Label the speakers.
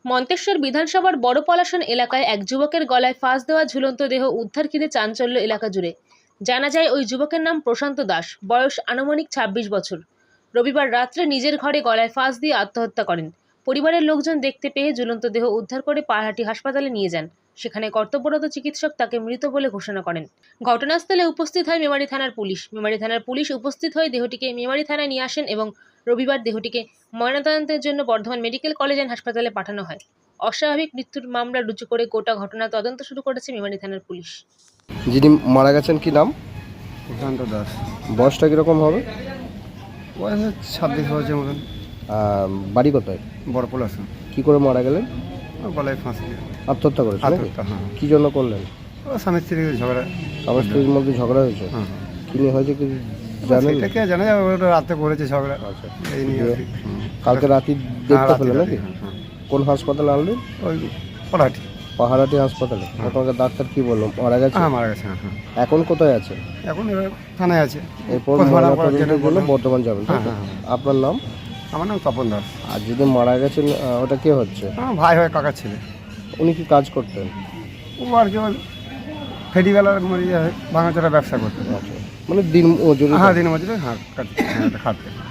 Speaker 1: মন্তেশ্বর বিধানসভার বড় পলাশন এলাকায় এক যুবকের গলায় ফাঁস দেওয়া ঝুলন্ত দেহ উদ্ধার ঘিরে চাঞ্চল্য এলাকা জুড়ে। জানা যায় ওই যুবকের নাম প্রশান্ত দাস, বয়স আনুমানিক ২৬ বছর। রবিবার রাত্রে নিজের ঘরে গলায় ফাঁস দিয়ে আত্মহত্যা করেন। পরিবারের লোকজন দেখতে পেয়ে ঝুলন্ত দেহ উদ্ধার করে পাহাড়হাটি হাসপাতালে নিয়ে যান। সেখানে কর্তব্যরত চিকিৎসক তাকে মৃত বলে ঘোষণা করেন। ঘটনাস্থলে উপস্থিত হয় মেমারি থানার পুলিশ। মেমারি থানার পুলিশ উপস্থিত হয়ে দেহটিকে মেমারি থানায় নিয়ে আসেন এবং রবিবার দেহটিকে ময়নাতদন্তের জন্য বর্ধমান মেডিকেল কলেজ অ্যান্ড হাসপাতালে পাঠানো হয়। অস্বাভাবিক মৃত্যুর মামলা রুজু করে গোটা ঘটনা তদন্ত শুরু করেছে মেমারি থানার পুলিশ।
Speaker 2: যিনি মারা গেছেন কি নাম?
Speaker 3: প্রশান্ত দাস।
Speaker 2: বয়সটা কীরকম হবে?
Speaker 3: বয়স 26 বছরের মতন।
Speaker 2: বাড়ি কোথায়?
Speaker 3: বড় পলাশন।
Speaker 2: কি করে মারা গেলেন?
Speaker 3: গলায় ফাঁসি দিয়ে
Speaker 2: আত্মহত্যা করেছেন নাকি?
Speaker 3: আত্মহত্যা, হ্যাঁ।
Speaker 2: কি জন্য করলেন?
Speaker 3: ও স্বামী স্ত্রীর ঝগড়া।
Speaker 2: স্বামী স্ত্রীর মধ্যে ঝগড়া হয়েছে?
Speaker 3: হ্যাঁ।
Speaker 2: কি নিয়ে হয়েছে কি জানেন?
Speaker 3: সেটাকে জানা যায়, ওটা রাতে করেছে ঝগড়া।
Speaker 2: আচ্ছা,
Speaker 3: এই নিয়ে আর কি।
Speaker 2: কালকে রাতে
Speaker 3: হ্যাঁ,
Speaker 2: দেখতে
Speaker 3: রাতে
Speaker 2: পেলেন
Speaker 3: রাতে,
Speaker 2: নাকি?
Speaker 3: হ্যাঁ, হ্যাঁ।
Speaker 2: কোন হাসপাতালে আনলেন?
Speaker 3: ওই পলাহাটি।
Speaker 2: পাহাড়হাটি হাসপাতালে।
Speaker 3: হ্যাঁ।
Speaker 2: তোমাকে ডাক্তার কি বললো? মারা গেছে?
Speaker 3: হ্যাঁ, মারা গেছে। হ্যাঁ, হ্যাঁ।
Speaker 2: এখন কোথায় আছে?
Speaker 3: এখন এবার থানায় আছে।
Speaker 2: এরপর
Speaker 3: পোস্টমর্টম করার জন্য
Speaker 2: ময়নাতদন্তের জন্য
Speaker 3: বললাম।
Speaker 2: বর্ধমান যাবেন, তাই
Speaker 3: হ্যাঁ,
Speaker 2: তো?
Speaker 3: হ্যাঁ, হ্যাঁ।
Speaker 2: আপনার নাম?
Speaker 3: আমার নাম তপন দাস।
Speaker 2: আর যদি মারা গেছেন ওটা কে হচ্ছে?
Speaker 3: আমার ভাই হয়, কাকার ছেলে।
Speaker 2: উনি কি কাজ করতেন?
Speaker 3: ও আর কি ফেরিওয়ালার ভাঙাচোরা ব্যবসা করতে।
Speaker 2: আচ্ছা, মানে দিন মজুরি?
Speaker 3: হ্যাঁ, দিনের মধ্যে। হ্যাঁ, খাটতে।